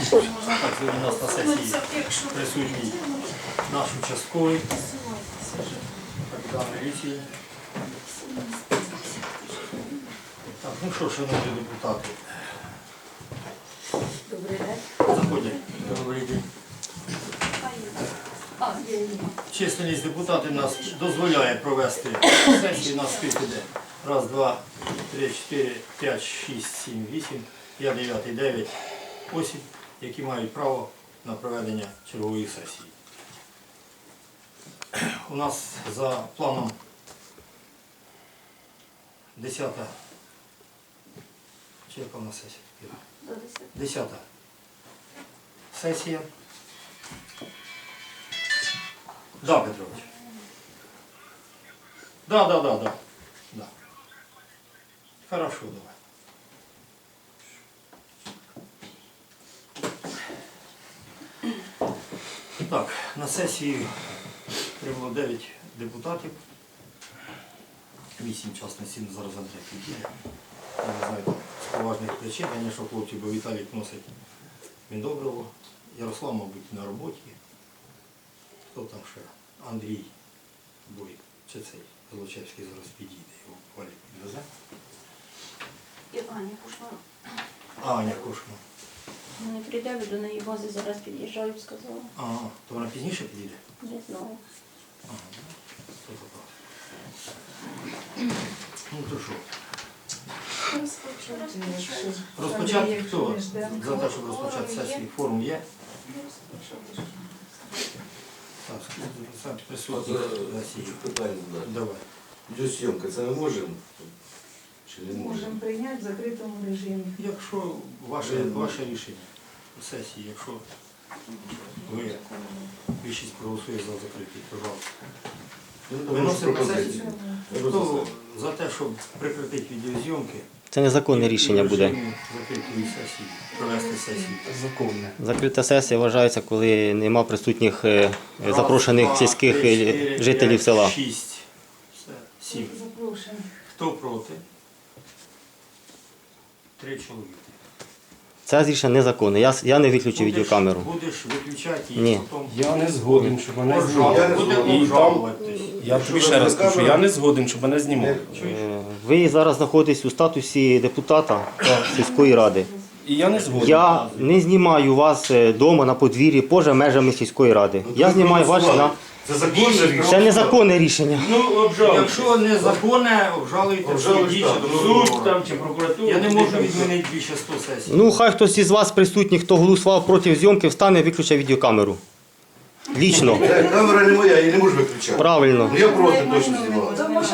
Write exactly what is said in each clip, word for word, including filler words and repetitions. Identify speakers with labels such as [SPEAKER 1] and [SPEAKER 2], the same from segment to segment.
[SPEAKER 1] Так, сьогодні у нас на сесії присутній наш участковий капітан міліції. Так, ну що, шановні депутати.
[SPEAKER 2] Добрий день.
[SPEAKER 1] Заходять. Добрий день. Численність депутатів нас дозволяє провести сесію. У нас скільки йде? Раз, два, три, чотири, п'ять, шість, сім, вісім, я дев'ятий, дев'ять осіб, які мають право на проведення чергової сесії. У нас за планом десята. Чи яка у нас сесія? Десята сесія. Да, Петрович. Да, да, да, да. Да. Хорошо, давай. Так, на сесії прибуло дев'ять депутатів. вісім частності зараз Андрій підійде. Я не знаю, з поважних причин, звісно, хлопці, бо Віталій носить Міндобриво. Ярослав, мабуть, на роботі. Хто там ще? Андрій Бой. Чи цей Злочевський зараз підійде, його Валік підвезе.
[SPEAKER 2] І Аня Кушман.
[SPEAKER 1] А, Аня Кошман.
[SPEAKER 2] Не прийде, до неї бази зараз під'їжджаю, сказала.
[SPEAKER 1] А, то вона пізніше підійде?
[SPEAKER 2] Не знаю.
[SPEAKER 1] Ага, то так. Ну то що? Розпочати хто? За те, щоб розпочати сесію. Форум є? Так, сам присутній на сесії.
[SPEAKER 3] Питання задати.
[SPEAKER 1] Давай.
[SPEAKER 3] Відеозйомка, це ми можемо? Чи не можемо?
[SPEAKER 4] Можемо прийняти в закритому режимі.
[SPEAKER 1] Якщо ваше, ваше рішення сесії, якщо ви більшість проголосує за закриття, пожалуйста.
[SPEAKER 3] Ну,
[SPEAKER 1] Виносимо на
[SPEAKER 3] пропозицію.
[SPEAKER 1] сесію.
[SPEAKER 3] Виносимо.
[SPEAKER 1] Хто за те, щоб прекратити відеозйомки?
[SPEAKER 5] Це незаконне рішення буде.
[SPEAKER 1] Закритої сесії, провести сесію.
[SPEAKER 6] Законне.
[SPEAKER 5] Закрита сесія вважається, коли нема присутніх е, запрошених сільських е, жителів села.
[SPEAKER 1] Шість, все, сім.
[SPEAKER 4] Запрошую.
[SPEAKER 1] Хто проти? Три чоловіки.
[SPEAKER 5] Це рішення незаконне. Я, я не виключу відеокамеру.
[SPEAKER 1] Будеш виключати і
[SPEAKER 5] Ні.
[SPEAKER 1] потім...
[SPEAKER 6] Я не згоден, щоб мене
[SPEAKER 1] Обжалувати.
[SPEAKER 6] знімали.
[SPEAKER 1] Буде
[SPEAKER 6] І там,
[SPEAKER 1] обжалуватись.
[SPEAKER 6] я тобі ще раз кажу, я не згоден, щоб мене знімали.
[SPEAKER 5] Е, Ви зараз знаходитесь у статусі депутата сільської ради.
[SPEAKER 6] І я не згоден.
[SPEAKER 5] Я не знімаю вас вдома на подвір'ї поза межами сільської ради. Я знімаю вас на...
[SPEAKER 3] Це законне рішення.
[SPEAKER 5] Це незаконне рішення.
[SPEAKER 6] Ну, обжалуйте.
[SPEAKER 1] Якщо незаконне, обжалуйте в
[SPEAKER 3] Обжалуйте,
[SPEAKER 1] суді
[SPEAKER 3] так.
[SPEAKER 1] чи до
[SPEAKER 6] Суд
[SPEAKER 1] прокурора.
[SPEAKER 6] там чи прокуратура.
[SPEAKER 1] Я не можу відмінити більше сто сесій.
[SPEAKER 5] Ну, хай хтось із вас присутніх, хто голосував проти зйомки, встане і виключить відеокамеру. Лічно.
[SPEAKER 3] Е, Камера не моя, я її не можу виключати.
[SPEAKER 5] Правильно.
[SPEAKER 3] Ну я проти точно знімав.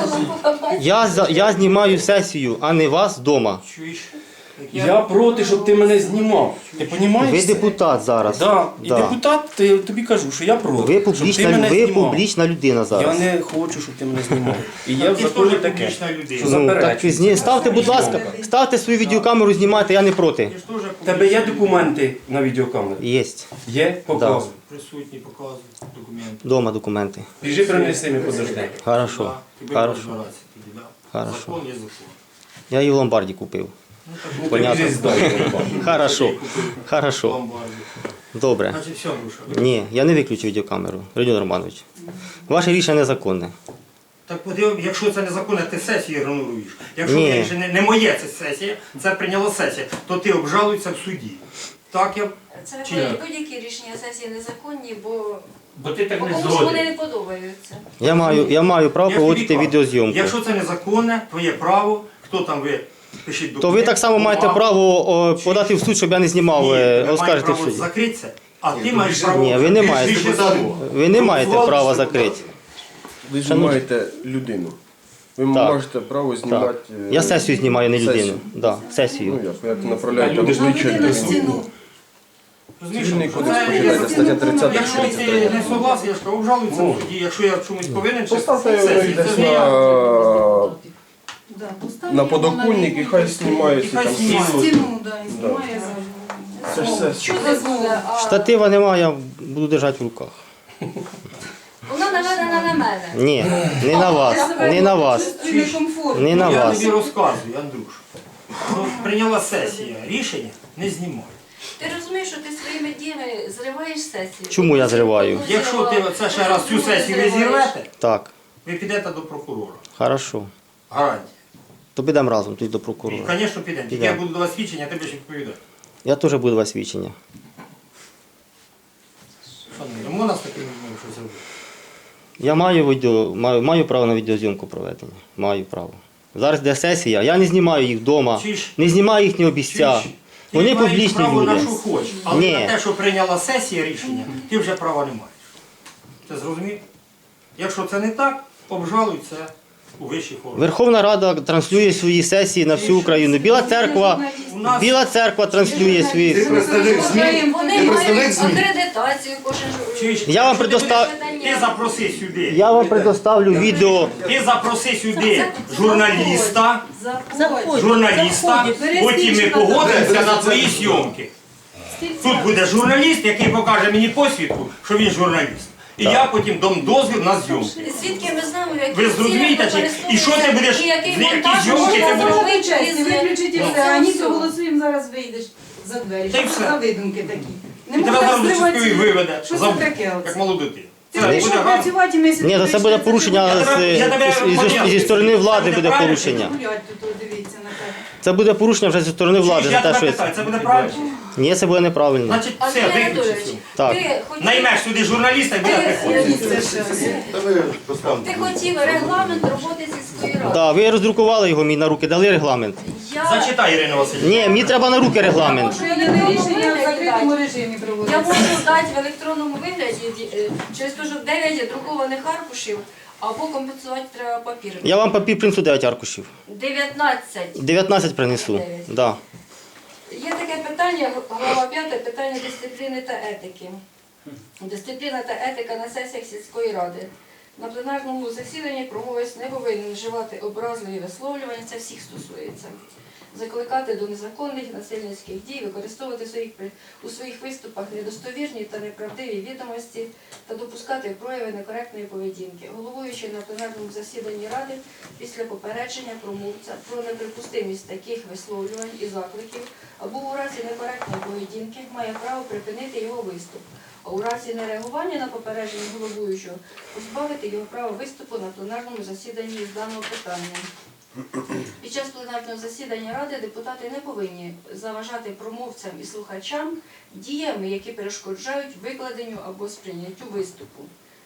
[SPEAKER 5] Я, за- я знімаю сесію, а не вас вдома.
[SPEAKER 1] Чуєш? Як
[SPEAKER 6] Я проти, щоб ти мене знімав. Ти розумієш?
[SPEAKER 5] Ви депутат зараз.
[SPEAKER 6] Да. І
[SPEAKER 5] Да.
[SPEAKER 6] депутат, ти, тобі кажу, що я проти.
[SPEAKER 5] Ви
[SPEAKER 6] щоб ти
[SPEAKER 5] публічна,
[SPEAKER 6] мене
[SPEAKER 5] ви
[SPEAKER 6] знімав.
[SPEAKER 5] публічна людина
[SPEAKER 6] Я
[SPEAKER 5] зараз.
[SPEAKER 6] не хочу, щоб ти мене знімав. І є в
[SPEAKER 1] Ти ж
[SPEAKER 6] законі
[SPEAKER 1] теж
[SPEAKER 6] таке.
[SPEAKER 1] публічна людина.
[SPEAKER 6] Що
[SPEAKER 5] Ну,
[SPEAKER 6] заперечується.
[SPEAKER 5] так зні- ставте, будь ласка, ставте свою відеокамеру, знімайте, я не проти.
[SPEAKER 1] Ти ж теж
[SPEAKER 6] В тебе є
[SPEAKER 1] публічна
[SPEAKER 6] документи на відеокамеру?
[SPEAKER 5] Єсть.
[SPEAKER 6] Є? Показуй.
[SPEAKER 1] людина. Присутні, показуй документи.
[SPEAKER 5] Дома документи.
[SPEAKER 6] Біжи принеси мені подожди.
[SPEAKER 5] Хорошо.
[SPEAKER 1] Да. Тебе
[SPEAKER 5] Хорошо.
[SPEAKER 1] розбиратися тоді, да.
[SPEAKER 5] Хорошо.
[SPEAKER 1] Закон є закон.
[SPEAKER 5] Я її в ломбарді купив.
[SPEAKER 6] Ну,
[SPEAKER 5] Понятно.
[SPEAKER 6] ти біжи здай.
[SPEAKER 5] Хорошо. Хорошо.
[SPEAKER 1] Ломбарді.
[SPEAKER 5] Добре.
[SPEAKER 1] Значить, все, Душа.
[SPEAKER 5] Ні, я не виключу відеокамеру. Родіон Романович. Ваше рішення незаконне.
[SPEAKER 1] Так подив, якщо це незаконне, ти сесію ігноруєш. Якщо
[SPEAKER 5] Ні.
[SPEAKER 1] це рішення не моє, це сесія, це прийняла сесія, то ти обжалуєшся в суді. Так я.
[SPEAKER 7] Це
[SPEAKER 1] Чи як?
[SPEAKER 7] будь-які рішення сесії незаконні, бо
[SPEAKER 1] Бо ти так
[SPEAKER 7] комусь вони не подобаються.
[SPEAKER 5] Я маю, я маю право
[SPEAKER 1] Я ж тобі
[SPEAKER 5] проводити
[SPEAKER 1] кажу,
[SPEAKER 5] відеозйомку.
[SPEAKER 1] Якщо це незаконне, твоє право, хто там ви пишіть документи.
[SPEAKER 5] То ви так само маєте
[SPEAKER 1] бумагу.
[SPEAKER 5] право о, подати в суд, щоб я не знімав,
[SPEAKER 1] Ні,
[SPEAKER 5] е,
[SPEAKER 1] ви маєте
[SPEAKER 5] оскаржити в
[SPEAKER 1] право
[SPEAKER 5] суді.
[SPEAKER 1] закритися, а ти
[SPEAKER 3] Ні,
[SPEAKER 1] маєш
[SPEAKER 3] ви
[SPEAKER 1] право...
[SPEAKER 5] Ні, ви не
[SPEAKER 1] Ти ж
[SPEAKER 5] маєте.
[SPEAKER 1] більше того.
[SPEAKER 5] Ви не маєте
[SPEAKER 3] Голосували,
[SPEAKER 5] права
[SPEAKER 3] що
[SPEAKER 5] закрити.
[SPEAKER 8] Ви
[SPEAKER 5] Шановні-
[SPEAKER 8] знімаєте людину. Ви
[SPEAKER 5] Так.
[SPEAKER 8] можете право знімати.
[SPEAKER 5] Так.
[SPEAKER 8] е,
[SPEAKER 5] Я сесію знімаю, не людину.
[SPEAKER 8] сесію.
[SPEAKER 5] Да, сесію.
[SPEAKER 8] Ну як, як направляєте
[SPEAKER 6] Люди ж
[SPEAKER 8] обличчя
[SPEAKER 4] людина
[SPEAKER 8] людини.
[SPEAKER 4] стіну.
[SPEAKER 1] Розумієш,
[SPEAKER 8] Цивільний
[SPEAKER 1] що
[SPEAKER 8] кодекс
[SPEAKER 1] це-
[SPEAKER 8] починається стаття тридцята.
[SPEAKER 1] Якщо ти не согласен, я ж кажу, обжалуйся в суді. Якщо я в чомусь повинен, це
[SPEAKER 8] Поставте його
[SPEAKER 1] сесію,
[SPEAKER 8] десь
[SPEAKER 1] це не я.
[SPEAKER 8] на,
[SPEAKER 4] Да, постав
[SPEAKER 8] на
[SPEAKER 4] його
[SPEAKER 8] подоконник і хай
[SPEAKER 4] лінію,
[SPEAKER 8] знімається
[SPEAKER 1] І хай
[SPEAKER 8] там.
[SPEAKER 1] знімає.
[SPEAKER 4] стіну, да, і знімає
[SPEAKER 8] Це ж
[SPEAKER 4] за...
[SPEAKER 8] все.
[SPEAKER 7] Що дозволяє?
[SPEAKER 5] Штатива немає, я буду держати в руках.
[SPEAKER 7] Вона наведена на мене.
[SPEAKER 5] Ні, не на вас, не на вас,
[SPEAKER 4] Чувствую некомфортно.
[SPEAKER 5] не на
[SPEAKER 1] Я
[SPEAKER 5] вас.
[SPEAKER 1] тобі розказую, Андрюш. Ну, прийняла сесія рішення, не знімай.
[SPEAKER 7] Ти розумієш, що ти своїми діями зриваєш сесію?
[SPEAKER 5] Чому я зриваю?
[SPEAKER 1] Якщо ти це ще раз цю сесію не зірвете,
[SPEAKER 5] Так,
[SPEAKER 1] ви підете до прокурора.
[SPEAKER 5] хорошо.
[SPEAKER 1] Гарантія.
[SPEAKER 5] То підемо разом тоді до
[SPEAKER 1] І,
[SPEAKER 5] прокурора.
[SPEAKER 1] звісно, підемо. Тільки
[SPEAKER 5] Підемо.
[SPEAKER 1] я буду до вас свідчення, ти будеш відповідати.
[SPEAKER 5] Я теж буду вас свідчення.
[SPEAKER 1] Шановні, можна з таким людьми щось робити?
[SPEAKER 5] Я маю відео, маю, маю право на відеозйомку проведення. Маю право. Зараз де сесія, я не знімаю їх вдома,
[SPEAKER 1] Чуєш?
[SPEAKER 5] не знімаю їхні обіця.
[SPEAKER 1] Чуєш? Ти
[SPEAKER 5] Вони
[SPEAKER 1] маєш
[SPEAKER 5] публічні
[SPEAKER 1] право
[SPEAKER 5] люди.
[SPEAKER 1] на що хочеш, але
[SPEAKER 5] Ні.
[SPEAKER 1] на те, що прийняла сесія рішення, ти вже права не маєш. Ти зрозумів? Якщо це не так, обжалуй це у вищих органах.
[SPEAKER 5] Верховна Рада транслює свої сесії на всю Україну. Біла церква,
[SPEAKER 1] У нас
[SPEAKER 5] Біла церква транслює
[SPEAKER 3] Ти
[SPEAKER 5] свої.
[SPEAKER 3] представник ЗМІ?
[SPEAKER 7] Вони
[SPEAKER 3] Ти представник
[SPEAKER 7] мають
[SPEAKER 3] ЗМІ?
[SPEAKER 7] акредитацію кожен.
[SPEAKER 1] Чуєш?
[SPEAKER 5] Я вам
[SPEAKER 1] Якщо ти
[SPEAKER 5] предостав-
[SPEAKER 1] будеш- Ти запроси сюди.
[SPEAKER 5] Я вам предоставлю відео.
[SPEAKER 1] Ти запроси сюди журналіста,
[SPEAKER 4] Заходь.
[SPEAKER 1] журналіста,
[SPEAKER 4] Заходь.
[SPEAKER 1] потім ми погодимося на твої зйомки. Тут буде журналіст, який покаже мені посвідку, що він журналіст. І я потім дам дозвіл на зйомки.
[SPEAKER 7] Звідки ми знаємо, які
[SPEAKER 1] Ви зрозумієте, чи- і що ти будеш-
[SPEAKER 7] і який
[SPEAKER 1] з яких
[SPEAKER 7] монтаж
[SPEAKER 1] зйомки
[SPEAKER 7] можна
[SPEAKER 1] ти будеш-
[SPEAKER 7] зробити
[SPEAKER 4] Честь,
[SPEAKER 7] із-
[SPEAKER 4] виключіть і
[SPEAKER 1] Ну.
[SPEAKER 4] все, а ні, голосуємо, зараз вийдеш за двері.
[SPEAKER 1] Та й
[SPEAKER 4] Що це
[SPEAKER 1] все.
[SPEAKER 4] за видумки такі? Не
[SPEAKER 1] І тебе
[SPEAKER 4] можна
[SPEAKER 1] зараз до
[SPEAKER 4] зривати.
[SPEAKER 1] часткової виведе,
[SPEAKER 4] Що
[SPEAKER 1] за-
[SPEAKER 4] це таке
[SPEAKER 1] як
[SPEAKER 4] оце?
[SPEAKER 1] малу дитину.
[SPEAKER 4] Ти
[SPEAKER 1] Це
[SPEAKER 4] прийшов
[SPEAKER 1] буде гарно.
[SPEAKER 4] працювати, і ми сидимо,
[SPEAKER 5] Ні, то це буде
[SPEAKER 4] прийшли,
[SPEAKER 5] порушення
[SPEAKER 4] це
[SPEAKER 5] з-
[SPEAKER 1] Я тебе
[SPEAKER 5] зі-
[SPEAKER 1] поняв.
[SPEAKER 5] зі сторони влади
[SPEAKER 1] Це
[SPEAKER 5] буде
[SPEAKER 1] правильно?
[SPEAKER 5] порушення.
[SPEAKER 4] гулять тут, дивіться на тебе.
[SPEAKER 5] Це буде порушення вже зі сторони влади
[SPEAKER 1] Я
[SPEAKER 5] за те,
[SPEAKER 1] тебе
[SPEAKER 5] що
[SPEAKER 1] питаю, це буде правильно?
[SPEAKER 5] ні, це буде неправильно.
[SPEAKER 1] Значить, все,
[SPEAKER 7] Андрій
[SPEAKER 1] виключи
[SPEAKER 7] Анатолійович,
[SPEAKER 1] цю.
[SPEAKER 5] Так.
[SPEAKER 7] ти хотів-
[SPEAKER 1] Наймеш сюди журналіста і буде
[SPEAKER 7] Ти-
[SPEAKER 1] приходити.
[SPEAKER 4] Це ще ось.
[SPEAKER 3] Та ви поставте.
[SPEAKER 7] Ти хотів регламент роботи сільської ради.
[SPEAKER 5] Да, ви роздрукували його мені на руки, дали регламент.
[SPEAKER 7] Я,
[SPEAKER 1] Зачитай, Ірина Васильівна.
[SPEAKER 5] Ні, мені треба на руки регламент.
[SPEAKER 4] Що я не рішення в закритому режимі
[SPEAKER 7] я
[SPEAKER 4] проводиться.
[SPEAKER 7] можу дати в електронному вигляді е, через те, що дев'ять друкованих аркушів, або компенсувати треба папір.
[SPEAKER 5] Я вам папір принесу дев'ять аркушів.
[SPEAKER 7] дев'ятнадцять.
[SPEAKER 5] дев'ятнадцять принесу. Да.
[SPEAKER 7] Є таке питання, глава п'ята, питання дисципліни та етики. Дисципліна та етика на сесіях сільської ради. На пленарному засіданні промовець не повинен вживати образливі висловлювання, це всіх стосується. Закликати до незаконних насильницьких дій, використовувати своїх, при- у своїх виступах недостовірні та неправдиві відомості та допускати прояви некоректної поведінки. Головуючий на пленарному засіданні Ради після попередження промовця про неприпустимість таких висловлювань і закликів або у разі некоректної поведінки має право припинити його виступ, а у разі нереагування на попередження головуючого позбавити його права виступу на пленарному засіданні з даного питання. Під час пленарного засідання Ради депутати не повинні заважати промовцям і слухачам діями, які перешкоджають викладенню або сприйняттю виступу.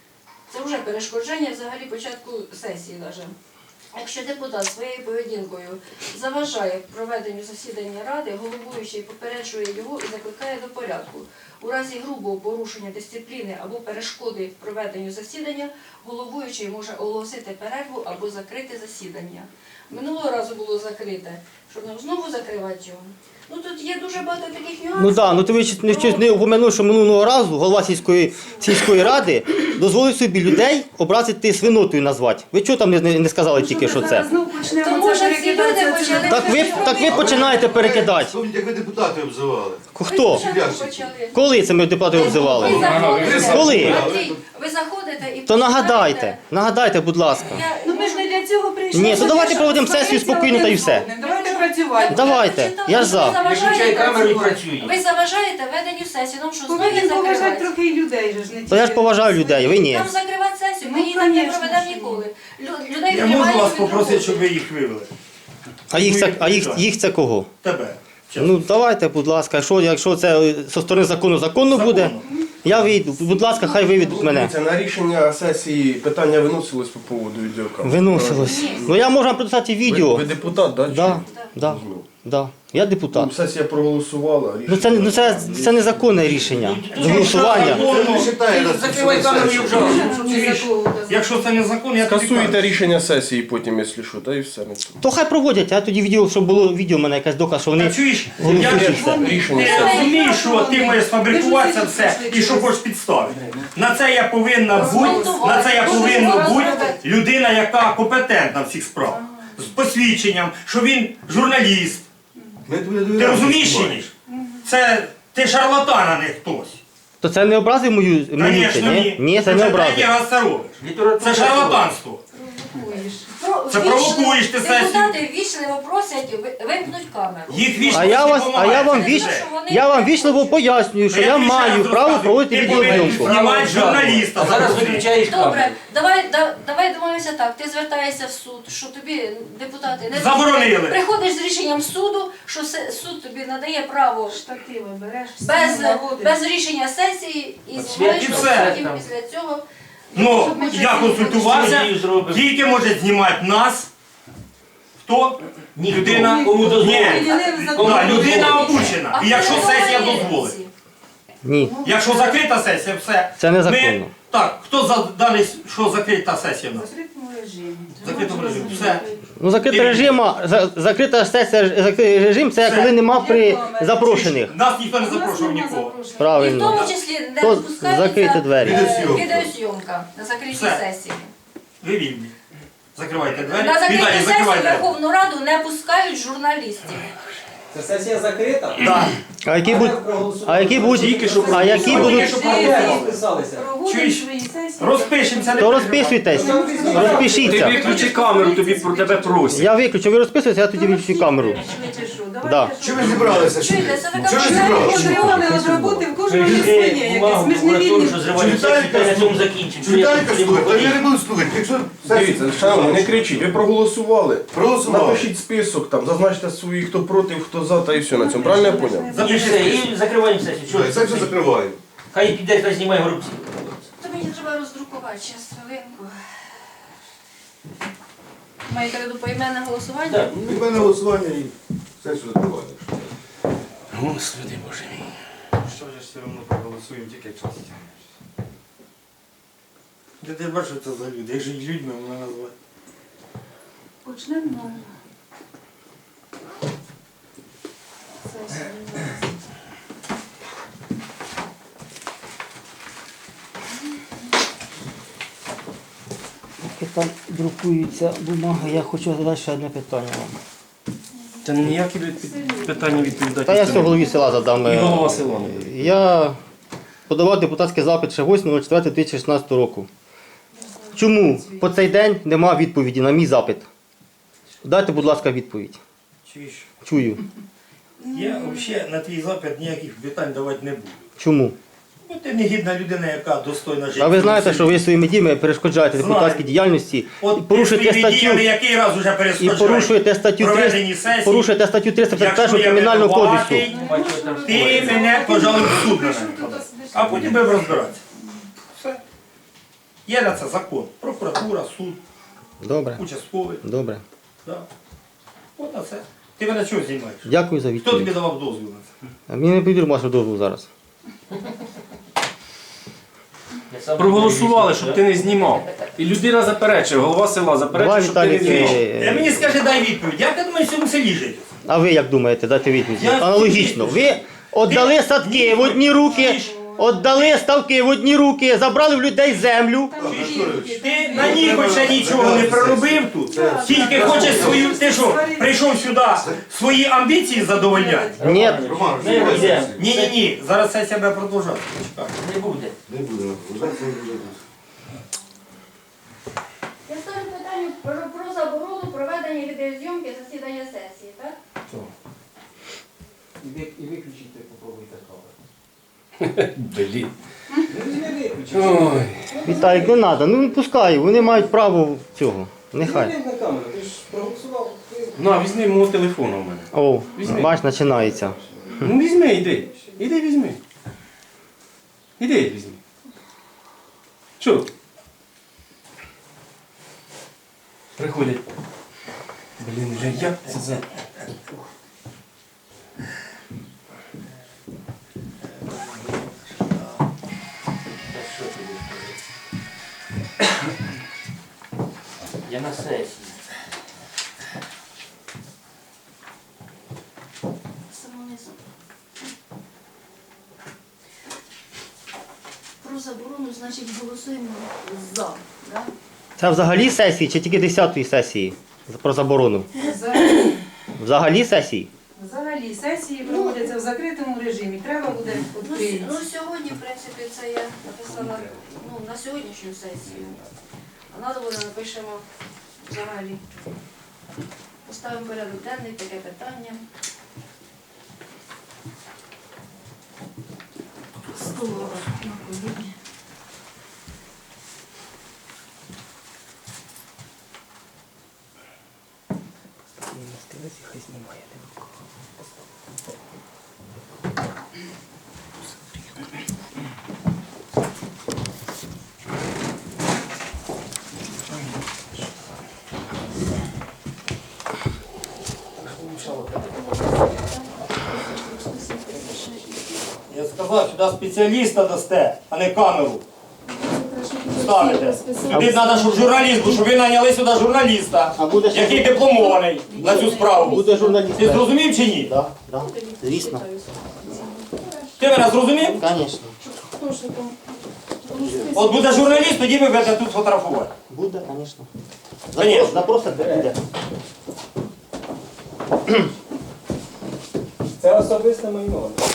[SPEAKER 7] Це вже перешкодження взагалі початку сесії навіть. Якщо депутат своєю поведінкою заважає проведенню засідання Ради, головуючий попереджує його і закликає до порядку. У разі грубого порушення дисципліни або перешкоди проведенню засідання, головуючий може оголосити перерву або закрити засідання. Минулого разу було закрите, щоб нам знову закривати його. Ну тут є дуже багато таких нюансів.
[SPEAKER 5] Ну так, ну ти ви ще не, щось не упомянув, що минулого разу голова сільської, сільської ради дозволив собі людей образити свинотою назвати. Ви чого там не, не не сказали тільки, що це?
[SPEAKER 4] Знову почнемо
[SPEAKER 7] Тому
[SPEAKER 4] це
[SPEAKER 7] що ці люди
[SPEAKER 4] перекидатися.
[SPEAKER 7] почали-
[SPEAKER 5] Так ви, так ви починаєте перекидати.
[SPEAKER 3] Помните, як ви депутати обзивали?
[SPEAKER 5] Хто?
[SPEAKER 7] Ви спочатку почали.
[SPEAKER 5] Коли це ми депутати
[SPEAKER 7] Ви
[SPEAKER 5] обзивали?
[SPEAKER 7] заходите,
[SPEAKER 5] Коли?
[SPEAKER 7] Андрій, ви заходите і
[SPEAKER 5] То нагадайте, нагадайте, будь ласка.
[SPEAKER 7] Я-
[SPEAKER 4] Ну ми ж не для цього прийшли.
[SPEAKER 5] Ні, то давайте проводимо сесію
[SPEAKER 4] Сваритися
[SPEAKER 5] спокійно та й
[SPEAKER 4] один
[SPEAKER 5] все.
[SPEAKER 4] з одним. Давайте працювати.
[SPEAKER 5] Давайте, я ж за.
[SPEAKER 7] Ви заважаєте,
[SPEAKER 6] камеру і працюй.
[SPEAKER 7] ви заважаєте веденню сесії, нам що знову
[SPEAKER 4] Повинен поважати
[SPEAKER 7] закривати?
[SPEAKER 4] трохи і людей же ж не
[SPEAKER 5] То я ж
[SPEAKER 4] тільки
[SPEAKER 5] поважаю
[SPEAKER 4] своїх.
[SPEAKER 5] людей, ви ні.
[SPEAKER 7] Нам закривати сесію, ми
[SPEAKER 4] Ну,
[SPEAKER 7] її так не
[SPEAKER 4] конечно,
[SPEAKER 7] проведемо
[SPEAKER 4] що ні.
[SPEAKER 7] ніколи. Лю- Людей
[SPEAKER 1] Я можу
[SPEAKER 7] приймають
[SPEAKER 1] вас
[SPEAKER 7] від
[SPEAKER 1] попросити,
[SPEAKER 7] роботи.
[SPEAKER 1] щоб ви їх вивели?
[SPEAKER 5] А їх це, а їх, їх це кого?
[SPEAKER 1] Тебе. Чесно.
[SPEAKER 5] Ну давайте, будь ласка, якщо, якщо це зі сторони закону законно буде,
[SPEAKER 1] Законно.
[SPEAKER 5] я вийду. Будь ласка, хай виведуть мене.
[SPEAKER 8] Це на рішення сесії питання виносилось по поводу відеокамер.
[SPEAKER 5] Виносилось. Ну я можу вам прочитати
[SPEAKER 8] Ви,
[SPEAKER 5] відео.
[SPEAKER 8] ви депутат, так?
[SPEAKER 5] Да, да, да. Я депутат.
[SPEAKER 8] Сесія проголосувала.
[SPEAKER 5] Ну це, ну це, це незаконне рішення. Голосування.
[SPEAKER 3] Це не читає нас.
[SPEAKER 6] Закривай камеру і обжалуй.
[SPEAKER 4] Ні за кого казати.
[SPEAKER 1] Якщо це не закон, я тобі
[SPEAKER 8] Скасуєте
[SPEAKER 1] кажу.
[SPEAKER 8] рішення сесії потім, якщо що, та і все. не це.
[SPEAKER 5] То хай проводять, а тоді відео, щоб було відео в мене якась доказ, що
[SPEAKER 1] Та
[SPEAKER 5] вони.
[SPEAKER 1] чуєш,
[SPEAKER 5] Голосують
[SPEAKER 1] я ж-
[SPEAKER 5] все.
[SPEAKER 8] Рішення
[SPEAKER 1] Ти
[SPEAKER 8] сесії.
[SPEAKER 1] розумієш, що ти можеш сфабрикувати це все і що хочеш підставити. На це я повинна бути, на це я повинна бути людина, яка компетентна в цих справах. З посвідченням, що він журналіст.
[SPEAKER 3] Ми тобі
[SPEAKER 1] Ти
[SPEAKER 3] довіряємо,
[SPEAKER 1] розумієш чи
[SPEAKER 3] знімаєш.
[SPEAKER 1] ні? Це ти шарлатан, а не хтось.
[SPEAKER 5] То це не образив мою мені?
[SPEAKER 1] Звісно,
[SPEAKER 5] Ні?
[SPEAKER 1] ні.
[SPEAKER 5] Ні, це
[SPEAKER 1] Ти
[SPEAKER 5] не
[SPEAKER 1] вже
[SPEAKER 5] образив.
[SPEAKER 1] третій раз це робиш. Це шарлатанство.
[SPEAKER 4] Провокуєш.
[SPEAKER 7] Про-
[SPEAKER 6] Це
[SPEAKER 7] вічливо-
[SPEAKER 6] провокуєш ти сесію.
[SPEAKER 7] Депутати вічливо просять ви- вимкнуть камеру.
[SPEAKER 6] Їх вічно
[SPEAKER 5] А я вас, а я вам
[SPEAKER 7] Це
[SPEAKER 5] віч,
[SPEAKER 7] те, що вони
[SPEAKER 5] я вам
[SPEAKER 7] не
[SPEAKER 5] вічливо
[SPEAKER 7] хочуть.
[SPEAKER 5] пояснюю, що
[SPEAKER 6] Я
[SPEAKER 5] я
[SPEAKER 6] тобі ще
[SPEAKER 5] маю
[SPEAKER 6] раз
[SPEAKER 5] право
[SPEAKER 6] розказую.
[SPEAKER 5] проводити
[SPEAKER 6] Ти повинен
[SPEAKER 5] відеозйомку.
[SPEAKER 6] знімати журналіста. А зараз виключаєш
[SPEAKER 7] Добре,
[SPEAKER 6] камеру.
[SPEAKER 7] давай, да, давай домовимося так. Ти звертаєшся в суд, що тобі депутати не
[SPEAKER 6] Заборонили.
[SPEAKER 7] Приходиш з рішенням суду, що се- суд тобі надає право
[SPEAKER 4] Штативи береш,
[SPEAKER 7] без,
[SPEAKER 4] всі наводиш.
[SPEAKER 7] без рішення сесії і
[SPEAKER 6] І
[SPEAKER 7] знімаєш, що
[SPEAKER 6] все.
[SPEAKER 7] потім після цього.
[SPEAKER 6] Ну,
[SPEAKER 7] щоб ми
[SPEAKER 6] я
[SPEAKER 7] це
[SPEAKER 6] консультувався,
[SPEAKER 7] зробили.
[SPEAKER 6] зробив. Тільки може знімати нас. Хто? Людина.
[SPEAKER 4] Кому
[SPEAKER 6] Ні.
[SPEAKER 4] Виділив за
[SPEAKER 6] Да,
[SPEAKER 4] те.
[SPEAKER 6] людина обучена.
[SPEAKER 7] А
[SPEAKER 6] І якщо
[SPEAKER 7] передовані
[SPEAKER 6] сесія дозволить.
[SPEAKER 7] ці.
[SPEAKER 5] Ні,
[SPEAKER 6] Якщо закрита сесія, все.
[SPEAKER 5] це незаконно.
[SPEAKER 6] Ми, так, хто за даний, що закрита сесія в
[SPEAKER 4] В
[SPEAKER 6] нас?
[SPEAKER 4] закритому режимі.
[SPEAKER 6] В закритому режимі. Все.
[SPEAKER 5] Ну, закрита режима, за- закрита сесія, закритий режим, це
[SPEAKER 6] Все.
[SPEAKER 5] коли нема при запрошених.
[SPEAKER 6] Нас ніхто не
[SPEAKER 4] У нас
[SPEAKER 6] запрошував
[SPEAKER 4] нема
[SPEAKER 6] нікого.
[SPEAKER 4] запрошень.
[SPEAKER 7] І в
[SPEAKER 5] Правильно.
[SPEAKER 7] тому числі не
[SPEAKER 5] То
[SPEAKER 7] допускається
[SPEAKER 5] закрити двері.
[SPEAKER 7] е,
[SPEAKER 1] Відеозйомка.
[SPEAKER 7] відеозйомка на закритій
[SPEAKER 6] Все.
[SPEAKER 7] сесії.
[SPEAKER 6] Ви вільні. Закривайте двері.
[SPEAKER 7] На закритій
[SPEAKER 6] Віталій,
[SPEAKER 7] сесії
[SPEAKER 6] закривайте.
[SPEAKER 7] Верховну Раду не пускають журналістів.
[SPEAKER 9] Це сесія закрита?
[SPEAKER 6] Да.
[SPEAKER 5] А які будуть, а які будуть, а які будуть,
[SPEAKER 9] Розписалися.
[SPEAKER 4] Проводимо
[SPEAKER 6] Чуєш?
[SPEAKER 4] свої сесії.
[SPEAKER 6] Розпишемося. не
[SPEAKER 5] то
[SPEAKER 6] переживай.
[SPEAKER 5] розписуйтесь,
[SPEAKER 10] Ти
[SPEAKER 5] розпишіться.
[SPEAKER 10] виключи камеру, тобі про тебе просять.
[SPEAKER 5] Я виключу, ви розписуєтеся, я тоді виключу камеру.
[SPEAKER 4] Швидше що,
[SPEAKER 5] Да.
[SPEAKER 4] давайте що.
[SPEAKER 1] Що ви зібралися? Що
[SPEAKER 7] Чуєте, це така
[SPEAKER 1] Що ви
[SPEAKER 7] проблема.
[SPEAKER 1] зібралися?
[SPEAKER 4] Патреони від роботи в кожного є своє якесь. Ми ж не вільні.
[SPEAKER 6] що зривають сесію, на цьому закінчимо. Що я
[SPEAKER 1] Віталіка
[SPEAKER 6] тут не
[SPEAKER 1] слухайте,
[SPEAKER 6] буду
[SPEAKER 1] я не буду слухати. Якщо
[SPEAKER 8] Дивіться, шановні, не кричіть, ви проголосували.
[SPEAKER 1] проголосували.
[SPEAKER 8] Напишіть список, там, зазначте свої, хто проти, хто за, та і все на цьому. Правильно я поняв?
[SPEAKER 6] І все, і закриваємо сесію.
[SPEAKER 1] Що, я сесію закриваю.
[SPEAKER 6] Хай піде, хай знімає горобці.
[SPEAKER 7] То мені треба роздрукувати, зараз хвилинку. Маєте в виду поіменне голосування?
[SPEAKER 6] Так.
[SPEAKER 1] Від мене голосування і сесію закриваю.
[SPEAKER 10] Господи Боже мій.
[SPEAKER 1] Що ж все одно проголосуємо тільки час. Де ти бачиш, що це за люди? Як же їх людьми вона назвати?
[SPEAKER 4] Почнемо нову. Сесію.
[SPEAKER 5] Поки там друкується бумага, я хочу задати ще одне питання вам.
[SPEAKER 10] Та ніякі від- питання відповідати.
[SPEAKER 5] Та я
[SPEAKER 10] це
[SPEAKER 5] все
[SPEAKER 10] не
[SPEAKER 5] голові села задам.
[SPEAKER 10] І
[SPEAKER 5] е,
[SPEAKER 10] голова села не буде.
[SPEAKER 5] Я подавав депутатський запит ще восьмого четвертого дві тисячі шістнадцятого року. Чому по цей день нема відповіді на мій запит? Дайте, будь ласка, відповідь.
[SPEAKER 1] Чуєш?
[SPEAKER 5] Чую.
[SPEAKER 1] Я взагалі на твій запит ніяких питань давати не буду.
[SPEAKER 5] Чому?
[SPEAKER 1] Бо ти негідна людина, яка достойна життя.
[SPEAKER 5] А ви знаєте, що ви своїми діями перешкоджаєте
[SPEAKER 1] Знаю.
[SPEAKER 5] депутатській діяльності і
[SPEAKER 1] От
[SPEAKER 5] порушуєте
[SPEAKER 1] ти свої діями
[SPEAKER 5] статтю,
[SPEAKER 1] який раз уже
[SPEAKER 5] і
[SPEAKER 1] перешкоджаєш
[SPEAKER 5] порушуєте статтю
[SPEAKER 1] проведені
[SPEAKER 5] триста,
[SPEAKER 1] сесії.
[SPEAKER 5] порушуєте статтю триста п'ятдесят першого
[SPEAKER 1] Якщо я
[SPEAKER 5] Кримінального
[SPEAKER 1] винуватий,
[SPEAKER 5] кодексу.
[SPEAKER 1] ти мене, пожалуй, в суд на мене подай. А потім будемо розбиратися. Все. Є на це закон. Прокуратура, суд,
[SPEAKER 5] Добре,
[SPEAKER 1] участковий.
[SPEAKER 5] добре.
[SPEAKER 1] Да. От на це. Ти мене чого знімаєш?
[SPEAKER 5] Дякую за
[SPEAKER 1] Хто тобі
[SPEAKER 5] відповідь.
[SPEAKER 1] давав дозвіл на це?
[SPEAKER 5] А мені не повірю вашу дозволу зараз.
[SPEAKER 10] Проголосували, щоб ти не знімав. І людина заперечує, голова села
[SPEAKER 5] Давай,
[SPEAKER 10] заперечує, щоб ти не
[SPEAKER 5] Віталік,
[SPEAKER 10] знімав.
[SPEAKER 1] Ти
[SPEAKER 5] е,
[SPEAKER 1] мені скажи, дай відповідь. Як ти думаєш в цьому селі жити?
[SPEAKER 5] а ви як думаєте, дайте відповідь?
[SPEAKER 1] Я-
[SPEAKER 5] Аналогічно. Ви віддали садки в одні руки, віддали ставки в одні руки, забрали в людей землю.
[SPEAKER 1] Ти на ній ще нічого не проробив тут. Тільки хочеш свою. Ти що, прийшов сюди свої амбіції задовольняти?
[SPEAKER 5] Ні,
[SPEAKER 6] Не йдемо.
[SPEAKER 1] Ні, ні, ні. Зараз сесія буде продовжати. Почекай.
[SPEAKER 6] Не буде.
[SPEAKER 1] Не буде.
[SPEAKER 7] Я ставлю питання про, про заборону проведення відеозйомки засідання сесії, так?
[SPEAKER 9] І виключити попробуйте камеру.
[SPEAKER 10] Блін.
[SPEAKER 9] Не виключити.
[SPEAKER 10] Ой.
[SPEAKER 5] Віталік, не треба, ну не пускай, вони мають право цього. Нехай.
[SPEAKER 9] Не на камеру, ти ж проголосував. Ти-
[SPEAKER 10] На, візьми мого телефону в мене.
[SPEAKER 5] О,
[SPEAKER 10] Візьми.
[SPEAKER 5] бач, починається.
[SPEAKER 10] Ну візьми, йди. Іди візьми. Іди візьми. Що? Приходять. Блін, вже як це за...
[SPEAKER 6] Я на сесії.
[SPEAKER 7] Самонизм. Про заборону, значить, голосуємо за. Да?
[SPEAKER 5] Це взагалі сесії чи тільки десятої сесії про заборону?
[SPEAKER 4] Взагалі-
[SPEAKER 5] Взагалі сесії?
[SPEAKER 4] Взагалі сесії проводяться в закритому режимі. Треба буде
[SPEAKER 7] Ну, с-
[SPEAKER 4] відкрити.
[SPEAKER 7] ну сьогодні, в принципі, це я написала ну, на сьогоднішню сесію. А треба буде напишемо взагалі. Поставимо порядок денний, таке питання. Слово на коліні.
[SPEAKER 5] Хай знімає.
[SPEAKER 6] Я сказав, сюди спеціаліста дасте, а не камеру ставите. Сюди треба, щоб журналіст був, щоб ви наняли сюди журналіста,
[SPEAKER 5] А буде ще
[SPEAKER 6] який дипломований на цю справу.
[SPEAKER 5] буде журналіст.
[SPEAKER 6] Ти зрозумів чи ні?
[SPEAKER 5] Так, так. Звісно.
[SPEAKER 6] Ти мене зрозумів?
[SPEAKER 5] Звісно.
[SPEAKER 6] От буде журналіст, тоді ви будете тут фотографувати.
[SPEAKER 5] Буде, звісно.
[SPEAKER 6] Конечно.
[SPEAKER 5] Запросите, буде.
[SPEAKER 9] Це особисте майно.